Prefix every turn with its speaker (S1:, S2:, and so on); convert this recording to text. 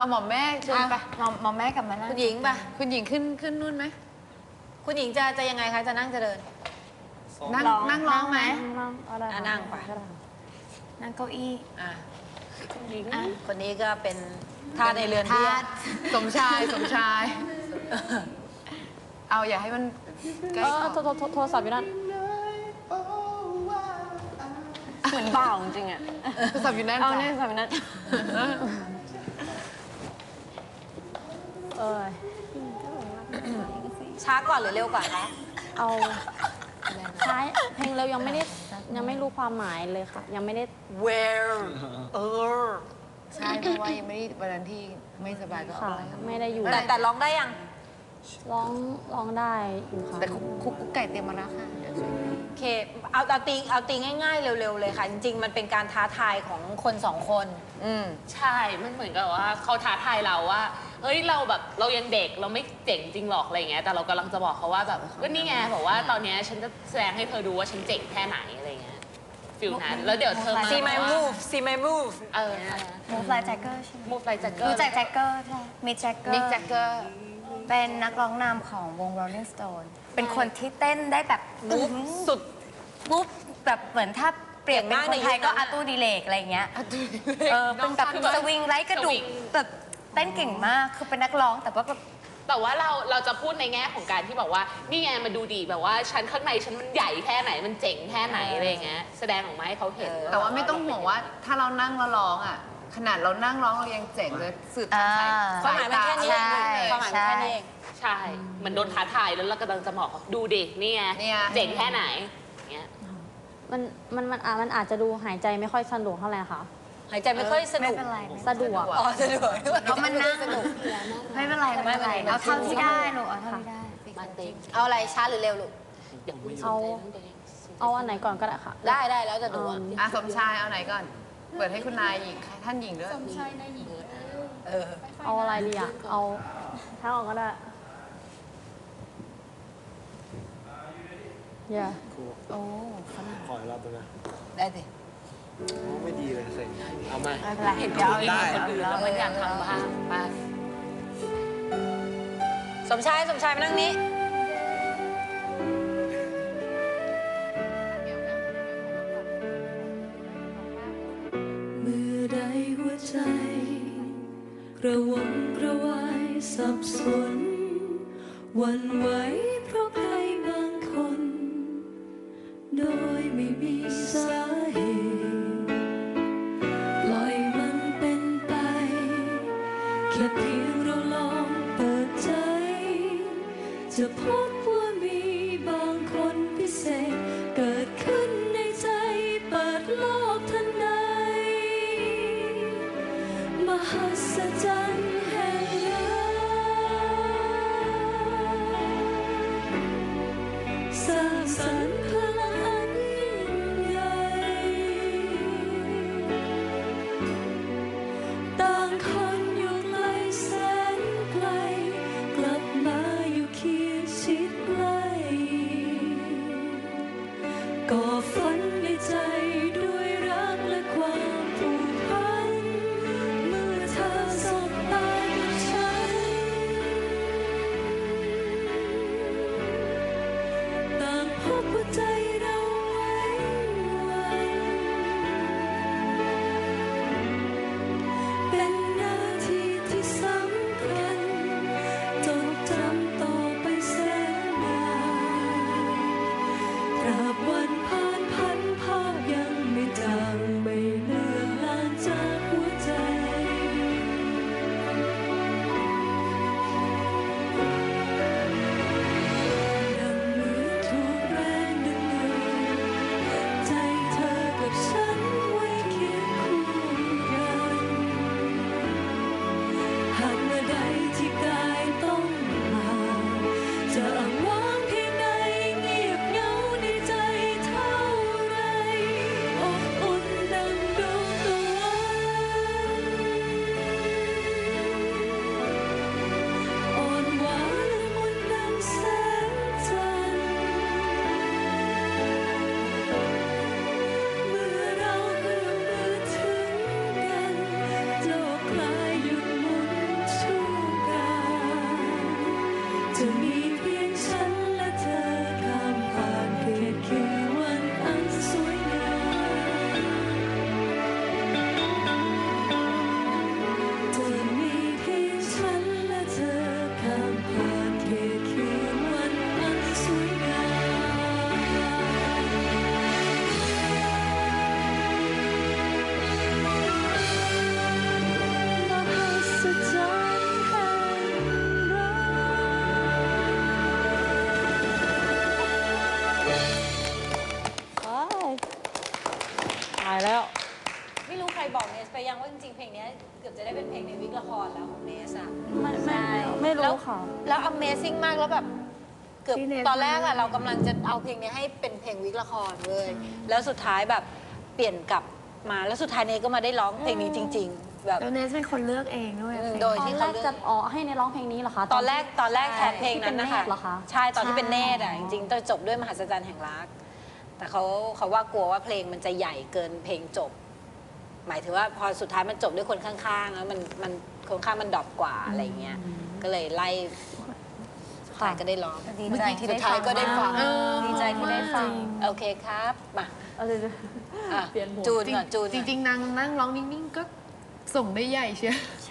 S1: หมอมแม่เชิญไป
S2: หมอมแม่กลับมานั่ง
S1: คุณหญิงไปคุณหญิงขึ้นนู่นไหม
S2: คุณหญิงจะยังไงคะจะนั่งจะเดิน
S1: นั่งร้องไหม
S2: นั่งไปนั่งเก้าอี้คนนี้ก็เป็นทาสในเรือนเบี้ย
S1: สมชายเอาอย่าให้มันใกล้
S3: โทรศัพท์อยู่นั่นเหมือนเปล่าจริงๆอ่ะ
S1: โทรศัพท์อยู่นั่น
S3: เอาเนี่ยโทรศัพท์อยู่นั่น
S2: ช้าก่อนหรือเร็วกว่าคะ
S3: เอาช้าเพลงเร็วยังไม่รู้ความหมายเลยค่ะยังไม่ได้
S2: where
S1: ใช่เพราะว่ายังไม่ได้วันนั้นที่ไม่สบายก็เอาอะไร
S3: ไม่ได้อยู่
S2: แต่ร้องได้ยัง
S3: ร้องได้อยู่ค่ะ
S1: แต่คุกไก่เตรียมมาแล้วค่ะ
S2: โอเคเอาตีง่ายๆเร็วๆเลยค่ะจริงๆมันเป็นการท้าทายของคนสองคน
S4: ใช่มันเหมือนกับว่าเขาท้าทายเราว่าเฮ้ยเราแบบเรายังเด็กเราไม่เจ๋งจริงหรอกอะไรเงี้ยแต่เรากำลังจะบอกเขาว่าแบบก็นี่ไงบอกว่าตอนนี้ฉันจะแสดงให้เธอดูว่าฉันเจ๋งแค่ไหนอะไรเงี้ยฟิลนั้นแล้วเดี๋ยวเธอมา
S2: see my move see my move
S5: move like Jagger ใช่ไหม
S4: move like Jagger
S5: รู้จัก Jagger ใช่ Mick Jagger เป็นนักร้องนำของวง Rolling Stone เป็นคนที่เต้นได้แบบ
S2: สุด
S5: ปุ๊บแบบเหมือนถ้าเปรียบเป็นคนไทยก็อาตูดิเลกอะไรเงี้ยเป็นแบบสวิงไร้กระดูกแบบเต้นเก่งมากคือเป็นนักร้องแต่
S4: ว่าเราจะพูดในแง่ของการที่บอกว่านี่ไงมาดูดีแบบว่าฉันข้างในฉันมันใหญ่แค่ไหนมันเจ๋งแค่ไหนอะไรเงี้ยแสดงออกมาให้เขาเห็น
S1: แต่ว่าไม่ต้องห่วงว่าถ้าเรานั่งแล้วร้องอ่ะขนาดเรานั่งร้องเรายังเจ๋งเลยสืบ
S2: ความหมายมันแค่นี้ความหมายมันแค่นี้เอง
S4: ใช่มันโดนท้าทายแล้วเรากำลังจะบอกดูดินี่ไงเจ๋งแค่ไหนเงี้ย
S3: มันอาจจะดูหายใจไม่ค่อยสะดวกเท่าไหร่ค่ะ
S2: หายใจไม่ค่อยสนุก
S3: สะดวก
S2: สะดวก
S5: เพราะมันนั่งไม่เป็นไรเอาเท่าที่ได้ลูกเอาเท่าที่ได้
S2: เอาอะไรช้าหรือเร็วลูก
S3: เอาอันไหนก่อนก็ได้ค่ะ
S2: ได้แล้วจะดู
S1: สมชายเอาไหนก่อนเปิดให้คุณนายหญิงท่านหญิงด้วย
S5: สมชายนายหญิง
S3: เอาอะไรดีอ่ะเอาทั้งออกก็ได้อย่า
S5: โอ้
S6: ขออีกรอบได้ไหม
S2: ได้สิ
S6: ไม่ดีเลยสิเอามา
S5: ไม่เป็นไรเดี๋ยว
S4: ได้คนอื่นแล้วมันอยากทำบ้างไป
S2: สมชายมานั่งนี้
S7: เมื่อใดหัวใจกระวนกระวายสับสนหวั่นไหวเพราะใครบางคนโดยไม่มีสาเหตุปล่อยมันเป็นไปแค่เพียงเราลองเปิดใจจะพบว่ามีบางคนพิเศษเกิดขึ้นในใจเปิดโลกทันใดมหัศจรรย์แห่งรักสร้างสรรค์พลังอันยิ่งใหญ่ต่างคนอยู่ไกลแสนไกลกลับมาอยู่เคียงชิดใกล้ก่อฝันในใจด้วยรักและความผูกพันเมื่อเธอสบตากับฉันต่างพบว่าใจ
S3: ไม่รู้ค่ะ
S2: แล้ว Amazing มากแล้วแบบเกือบ
S1: พี่เนท
S2: ตอนแรกอะเรากำลังจะเอาเพลงนี้ให้เป็นเพลงวิกละครเลยแล้วสุดท้ายแบบเปลี่ยนกลับมาแล้วสุดท้ายเนทก็มาได้ร้องเพลงนี้จริง ๆ แบบ
S1: แล้วเนสเป็นคนเลือกเองด้วย
S2: โดย
S3: ตอน
S2: ที่
S3: แร
S2: เขา
S3: ก
S2: เลือก
S3: จะให้ในร้องเพลงนี้เหรอคะ
S2: ตอนแรกแทนเพลงนั้นนะคะ
S3: ที่เป็นเนตรเหรอคะ
S2: ใช่ตอนที่เป็นเนตรอะ
S3: ใช่
S2: จริงๆต้องจบด้วยมหัศจรรย์แห่งรัก แต่เขาว่ากลัวว่าเพลงมันจะใหญ่เกินเพลงจบ หมายถึงว่าพอสุดท้ายมันจบด้วยคนข้างๆแล้วมันคนข้างมันดรอปกว่าอะไรเงี้ยก็เลยไล่สุดท้ายก็ได้ร้อง
S5: ดีใจที่ได้
S2: สุดท้ายก็ได้ฟัง
S5: ดีใจที่ได้ฟัง
S2: โอเคครับมา
S3: เอาเลย
S2: อ่ะ
S3: เปลี่ยนหมด
S2: จูนก่อนจูน
S1: จริงๆนางนั่งร้องนิ่งๆก็ส่งได้ใหญ่เชียว